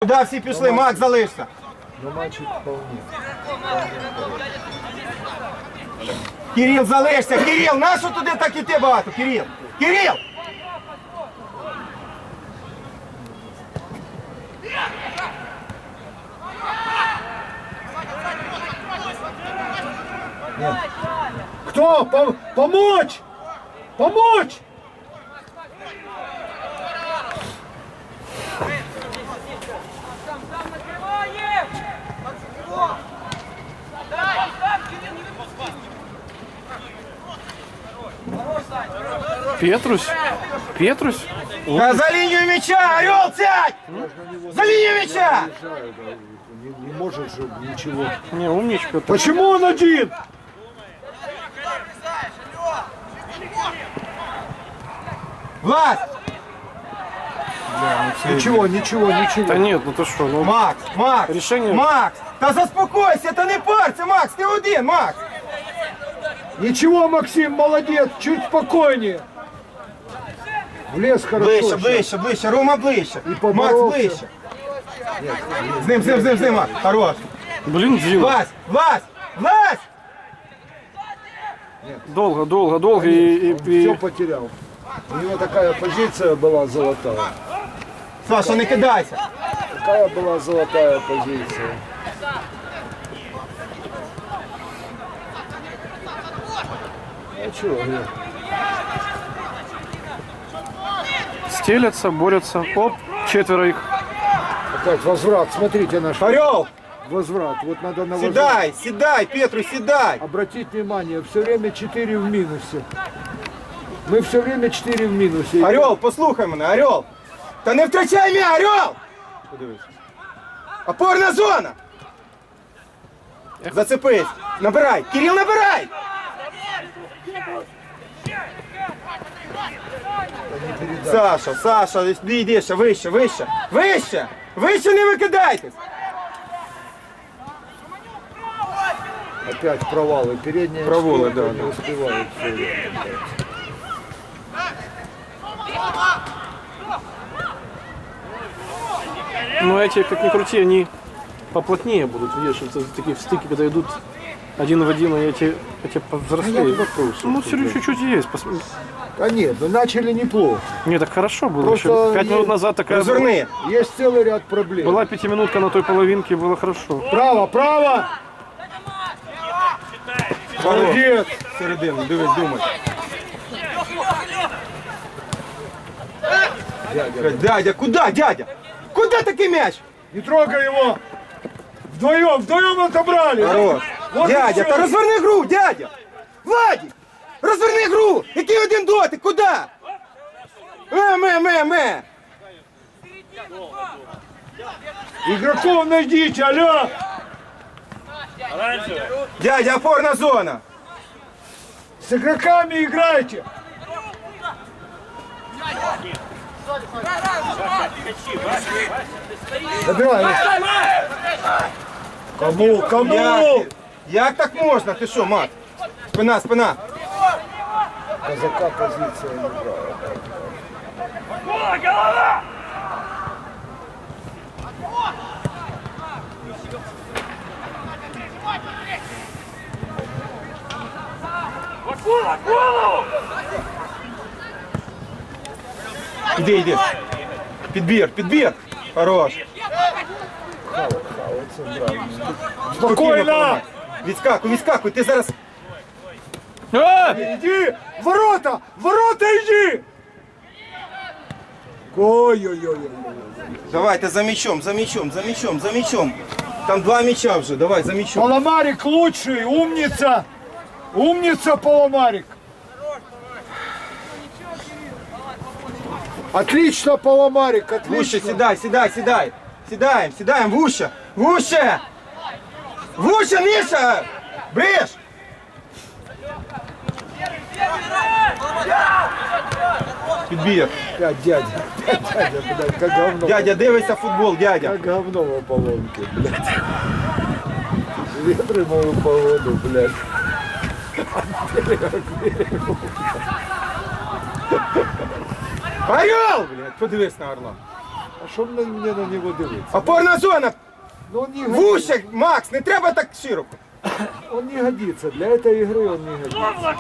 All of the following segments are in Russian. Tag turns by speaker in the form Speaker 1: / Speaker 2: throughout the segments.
Speaker 1: Куди всі пішли? Мак, залишся.
Speaker 2: Но мальчик вполне.
Speaker 1: Кирил, залишся. Кирил, нащо туди так іти багато? Кирил. Кирил!
Speaker 2: Кто? Помочь! Помочь!
Speaker 3: Петрусь? Петрусь?
Speaker 1: Да за линию мяча! Орел, сядь! За линию мяча!
Speaker 2: Не может же ничего.
Speaker 3: Не, умничка.
Speaker 2: Почему он один?
Speaker 1: Влад!
Speaker 2: Ничего, ничего,
Speaker 3: Да
Speaker 2: ничего.
Speaker 3: нет, ну ты что, ну...
Speaker 1: Макс, Макс!
Speaker 3: Рішення-
Speaker 1: Макс! Та заспокойся, та не парся, Макс, ти один, Макс!
Speaker 2: Ничего, Максим, молодец, чуть спокойнее. Влез хорошо.
Speaker 1: Ближче,
Speaker 2: сейчас.
Speaker 1: ближче, ближче, Рома ближче. Макс
Speaker 2: поборовся.
Speaker 1: ближче. З ним, Макс. Хорош.
Speaker 3: Блин, Дима.
Speaker 1: Влазь, влазь, влазь!
Speaker 3: Долго, долго, долго и...
Speaker 2: Все потерял. У него такая позиция была золотая.
Speaker 1: Саша, не кидайся.
Speaker 2: Такая была золотая позиция. А чего, нет?
Speaker 3: Стелятся, борются. Оп, четверо их.
Speaker 2: Опять возврат. Смотрите наш
Speaker 1: Орел,
Speaker 2: возврат. Вот надо на возврат.
Speaker 1: сідай, сідай, Петру, сідай.
Speaker 2: Обратить внимание, все время 4 в минусе. Мы все время 4 в минусе.
Speaker 1: Орел, послухай мене, Орел. Та не втрачай м'я, Орел! Подивись. Опорна зона! Зацепись. Набирай. Кирил, набирай! Саша, Саша, йди ще, вище, вище, вище! Вище не викидайтесь!
Speaker 2: Опять провалы. Передняя
Speaker 1: Провалы,
Speaker 2: четверка
Speaker 1: да,
Speaker 2: не
Speaker 1: да.
Speaker 2: успевает всё время.
Speaker 3: Но эти, как ни крути, они поплотнее будут. Видишь, это такие стыки, когда идут один в один, и эти повзрослее. Ну, все равно чуть-чуть есть.
Speaker 2: Да нет, ну начали неплохо.
Speaker 3: Не, так хорошо было.
Speaker 2: Просто
Speaker 3: Еще 5 минут назад такая была,
Speaker 1: Розверни.
Speaker 2: Есть целый ряд проблем.
Speaker 3: была пятиминутка на той половинке, было хорошо.
Speaker 2: Право, право! Молодец!
Speaker 1: Середину, дивись, думай. Дядя, куда, дядя? Куда такий м'яч?
Speaker 2: Не трогай его! Вдвоем отобрали!
Speaker 1: Хорош.
Speaker 2: Вот и
Speaker 1: Дядя,
Speaker 2: всё.
Speaker 1: та розверни гру, дядя! Владик! Розверни гру! Який один дотик, куда? Ме!
Speaker 2: Игроков найдите, алло!
Speaker 1: Дядя, опорна зона!
Speaker 2: С игроками играйте! Добивай! Кому? Кому?
Speaker 1: Як так можна? Ти що, мат? Спина!
Speaker 2: Казака позиция не брала.
Speaker 1: Іди. Підбір! Хорош!
Speaker 2: Спокойно!
Speaker 1: Відскакуй, ти зараз...
Speaker 2: Иди! Ворота! Ворота иди! Ой-ой-ой.
Speaker 1: Давайте за м'ячом. Там 2 м'яча вже, давай, за м'ячом.
Speaker 2: Поломарик лучший, умница! Умница, Поломарик! Отлично, Поломарик,
Speaker 1: Вуще,
Speaker 2: отлично!
Speaker 1: сідай. Сідаємо, вуще! Вуще, Міша! Бриш! Підбір.
Speaker 2: Опять дядя, блядь, как говно.
Speaker 1: Дядя, дивися футбол, дядя.
Speaker 2: Как говно в Аполлонке, блядь. Ветряную погоду, блядь.
Speaker 1: Орел! Блядь, подивись на орла.
Speaker 2: А що мені на нього дивитися?
Speaker 1: Опорна зона!
Speaker 2: Ну, он не годится.
Speaker 1: Вуще, Макс, не треба так широко.
Speaker 2: Он не годится. Для этой игры он не годится.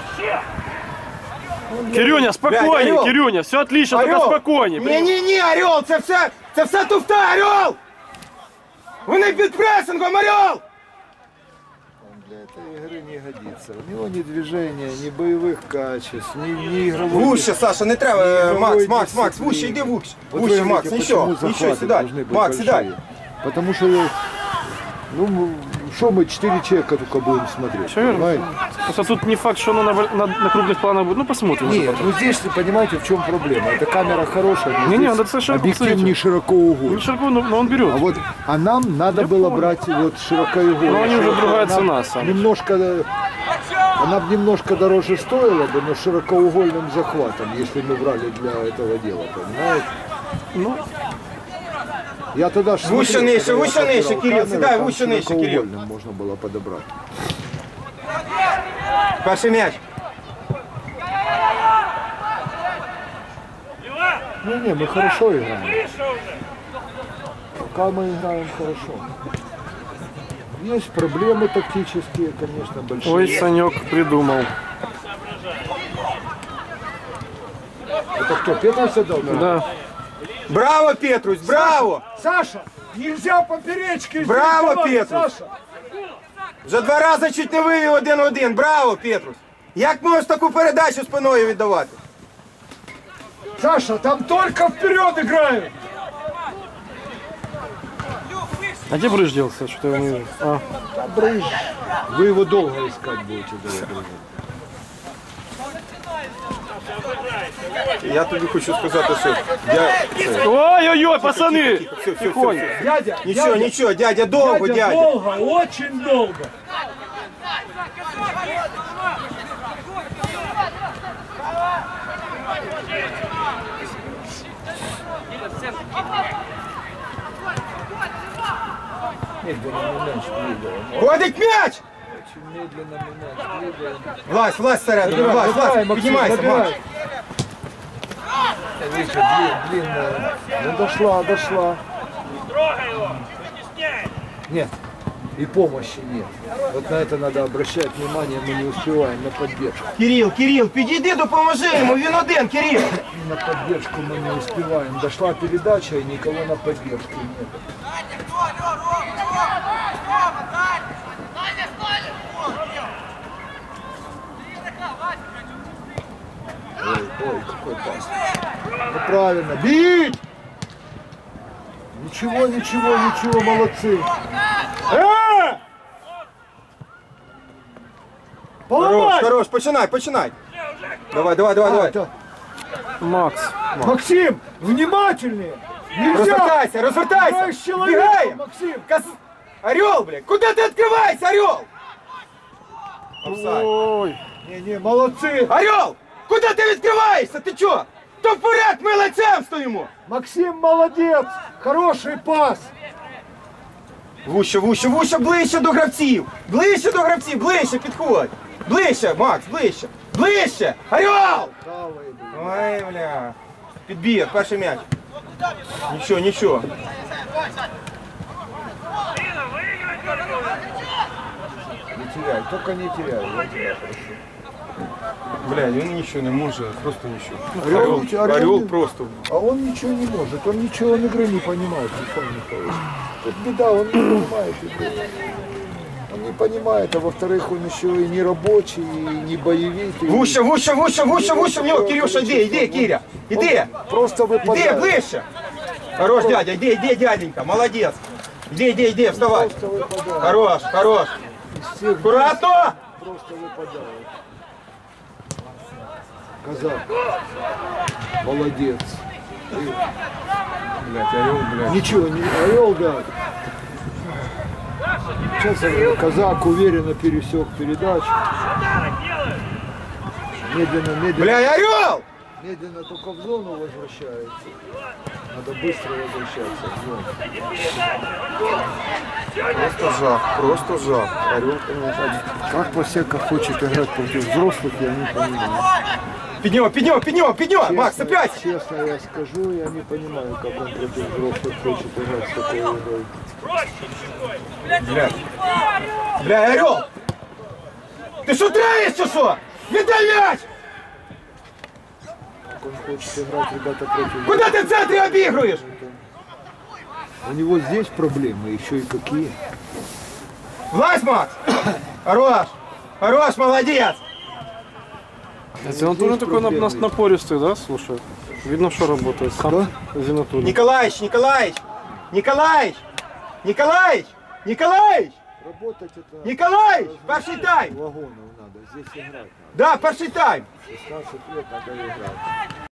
Speaker 3: Кирюня, спокойнее,
Speaker 1: Орел.
Speaker 3: Кирюня, все отлично, только спокойнее.
Speaker 1: Ні, Орел, це все туфта, Орел! Вони під пресингом, Орел!
Speaker 2: Он для этой игры не годится. У него ни движения, ни боевых качеств, ни игровой...
Speaker 1: Вуще, Саша, не треба.
Speaker 2: Игровой
Speaker 1: Макс,
Speaker 2: дисциплины.
Speaker 1: вуще, йди вуще.
Speaker 2: Вот
Speaker 1: Вуще,
Speaker 2: вы
Speaker 1: Макс,
Speaker 2: видите,
Speaker 1: нічого,
Speaker 2: почему
Speaker 1: нічого,
Speaker 2: захваты
Speaker 1: сідай.
Speaker 2: должны быть
Speaker 1: Макс, сідай.
Speaker 2: большие. Потому что, ну, что мы 4 человека только будем смотреть,
Speaker 3: Всё верно.
Speaker 2: понимаете?
Speaker 3: Просто тут не факт, что оно на крупных планах будет. Ну, посмотрим. уже
Speaker 2: Нет,
Speaker 3: потом.
Speaker 2: ну здесь, понимаете, в чем проблема? Эта камера хорошая, но
Speaker 3: Не-не,
Speaker 2: здесь
Speaker 3: надо совершенно
Speaker 2: объектив
Speaker 3: посмотреть.
Speaker 2: не широкоугольный.
Speaker 3: Ну, Широко, но он берет.
Speaker 2: А нам надо было брать вот широкоугольный.
Speaker 3: Но они уже другая
Speaker 2: Она
Speaker 3: цена, Саныч.
Speaker 2: немножко, она бы немножко дороже стоила бы, но с широкоугольным захватом, если мы брали для этого дела, понимаете?
Speaker 3: Ну,
Speaker 2: Я тогда ж
Speaker 1: Выше
Speaker 2: смотрел,
Speaker 1: нижче,
Speaker 2: когда я
Speaker 1: выше нижче,
Speaker 2: подбирал
Speaker 1: Кирилл,
Speaker 2: камеру,
Speaker 1: седай,
Speaker 2: там
Speaker 1: выше нижче, Кирилл.
Speaker 2: широкоугольным можно было подобрать.
Speaker 1: Перший м'яч.
Speaker 2: Не, мы хорошо играем. Пока мы играем хорошо. Есть проблемы тактические, конечно, большие.
Speaker 3: ой, Санек придумал.
Speaker 2: Это кто, Петрович отдал?
Speaker 3: Да.
Speaker 1: Браво, Петрусь, браво!
Speaker 2: Саша, нельзя поперечки здесь
Speaker 1: Браво,
Speaker 2: давать,
Speaker 1: Петрусь!
Speaker 2: Саша!
Speaker 1: Вже 2 рази чуть не вивів 1-1. Браво, Петрусь! Як можеш таку передачу спиною віддавати?
Speaker 2: Саша, там только вперед играют!
Speaker 3: А где Брыж делся? Что-то я не вижу. А,
Speaker 2: Брыж. Вы его долго искать будете, дорогой.
Speaker 1: Я тобі хочу сказати, що
Speaker 3: ой-ой-ой, пацаны!
Speaker 1: все,
Speaker 3: Тихонько.
Speaker 2: Дядя,
Speaker 1: Нічого,
Speaker 2: дядя,
Speaker 1: нічого, дядя, довго,
Speaker 2: дядя,
Speaker 1: дядя.
Speaker 2: долго, очень долго. Медленно мы мяч двигаем.
Speaker 1: Ходить м'яч!
Speaker 2: Очень медленно мы мяч двигаем.
Speaker 1: Влазь всередину, влазь,
Speaker 2: Забирай, Максим,
Speaker 1: піднімайся,
Speaker 2: забирай.
Speaker 1: Макс.
Speaker 2: Видите, длинная. Ну дошла. Нет. И помощи нет. Вот на это надо обращать внимание, мы не успеваем на поддержку.
Speaker 1: Кирил, підійди, допоможи йому, він один, Кирил.
Speaker 2: На поддержку мы не успеваем. Дошла передача и никого на поддержку нет. Ой, какой пас. Ну правильно. Бить! Ничего, молодцы. Поломай!
Speaker 1: Хорош, починай. Давай.
Speaker 2: Это-
Speaker 3: Макс.
Speaker 2: Максим, внимательнее! Нельзя!
Speaker 1: Розвертайся!
Speaker 2: Играешь с человеком,
Speaker 1: Бігаємо!
Speaker 2: Максим!
Speaker 1: Орел, блядь, куда ты открываешься, Орел? Офсайд.
Speaker 3: Ой.
Speaker 2: Не, молодцы!
Speaker 1: Орел, куда ты відкриваєшся? Ти чо? То вперед, ми лицем стоїмо!
Speaker 2: Максим молодец! Хороший пас!
Speaker 1: Вуще, ближче до гравців! Ближче підходь! Ближче, Макс, ближче! Орел!
Speaker 2: Правый.
Speaker 1: Ой, бля. Підбіг, перший м'яч. Нічого.
Speaker 2: Не теряй, только не теряй. Я тебя прошу.
Speaker 1: Бля, він нічого не може, просто нічого.
Speaker 2: Орел,
Speaker 1: Орел просто.
Speaker 2: А он ничего не может, он ничего он игры не понимает, Михаил Михайлович. Тут беда, он не понимает игры. Он не понимает, а во-вторых, он еще и не рабочий, и не боевик. и-
Speaker 1: Вуще, в нього, Кирюша, іди, Киря, іди!
Speaker 2: Просто
Speaker 1: Іди,
Speaker 2: выпадает.
Speaker 1: ближче! Хорош, дядя, іди, дяденька, молодець! Іди, вставай!
Speaker 2: Просто выпадает.
Speaker 1: Хорош!
Speaker 2: Из всех
Speaker 1: Аккуратно!
Speaker 2: просто выпадает. Казак. Молодец.
Speaker 1: Блядь, Орел,
Speaker 2: Ничего, не орел, да. Сейчас Казак уверенно пересек передачу. Медленно.
Speaker 1: Бля, Орел!
Speaker 2: Медленно только в зону возвращается. Надо быстро возвращаться в зону.
Speaker 1: Просто жах. Орел, конечно.
Speaker 2: Как Посека хочет играть против взрослых, я не понимаю.
Speaker 1: Поднем, Макс, опять!
Speaker 2: Честно я скажу, я не понимаю, как он против взрослых хочет играть с такой игрой.
Speaker 1: Бля, Орел! Ты что травишь, что? Віддай мяч!
Speaker 2: Как он хочет играть, ребята, против...
Speaker 1: Куда ты в центре обыгрываешь?
Speaker 2: У него здесь проблемы, еще и какие.
Speaker 1: Влазь, Макс! Хорош, молодец!
Speaker 3: Зинатулин такой напористый, да, слушай? Видно, что работает. Сам Зинатулин.
Speaker 1: Николаевич!
Speaker 2: Работать это...
Speaker 1: Николаевич! Перший тайм!
Speaker 2: Вагонов надо, здесь играть надо.
Speaker 1: Да, перший тайм!
Speaker 2: 16 лет надо играть.